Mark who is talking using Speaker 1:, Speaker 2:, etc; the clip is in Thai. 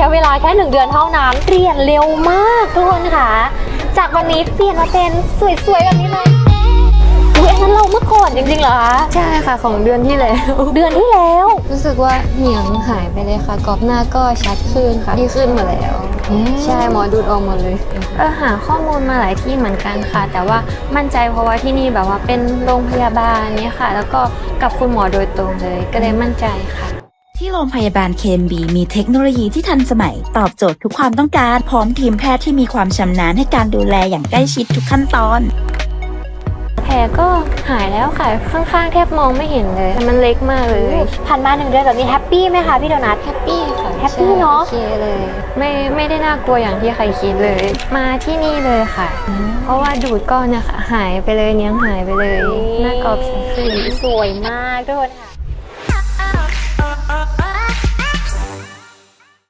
Speaker 1: ช้เวลาแค่1 เดือนเท่านั้นเปลี่ยนเร็วมากทุกคนค่ะจากวันนี้เปลี่ยนมาเป็นสวยๆแบบนี้เลยอุ้ยอันนั้นเราเมื่อก่อนจริงๆเหรอคะ
Speaker 2: ใช่ค่ะของเดือนที่แล้ว
Speaker 1: เดือนที่แล้ว
Speaker 2: รู้สึกว่าเหนียงหายไปเลยค่ะกรอบหน้าก็ชัดขึ้นค่ะที่ขึ้นมาแล้วใช่หมอดูดออกหมดเลยหาข้อมูลมาหลายที่เหมือนกันค่ะแต่ว่ามั่นใจเพราะว่าที่นี่แบบว่าเป็นโรงพยาบาลเนี่ยค่ะแล้วก็กับคุณหมอโดยตรงเลยก็เลยมั่นใจค่ะ
Speaker 3: ที่โรงพยาบาล KMB มีเทคโนโลยีที่ทันสมัยตอบโจทย์ทุกความต้องการพร้อมทีมแพทย์ที่มีความชำนาญให้การดูแลอย่างใกล้ชิดทุกขั้นตอน
Speaker 2: แผลก็หายแล้วค่ะข้างๆแทบมองไม่เห็นเลยมันเล็กมากเลย
Speaker 1: ผ่านมา1 เดือนแบบนี้แฮปปี้ไหมคะพี่โดนัท
Speaker 2: แฮปปี้ค่ะ
Speaker 1: แฮปปี้เนาะ
Speaker 2: โอเคเลยไม่ได้น่ากลัวอย่างที่ใครคิดเลยมาที่นี่เลยค่ะเพราะว่าดูดก้อนเนี่ยค่ะหายไปเลยเนี้ยหายไปเลยหน้ากรอบใสขึ้น
Speaker 1: สวยมากทุกคนค่ะ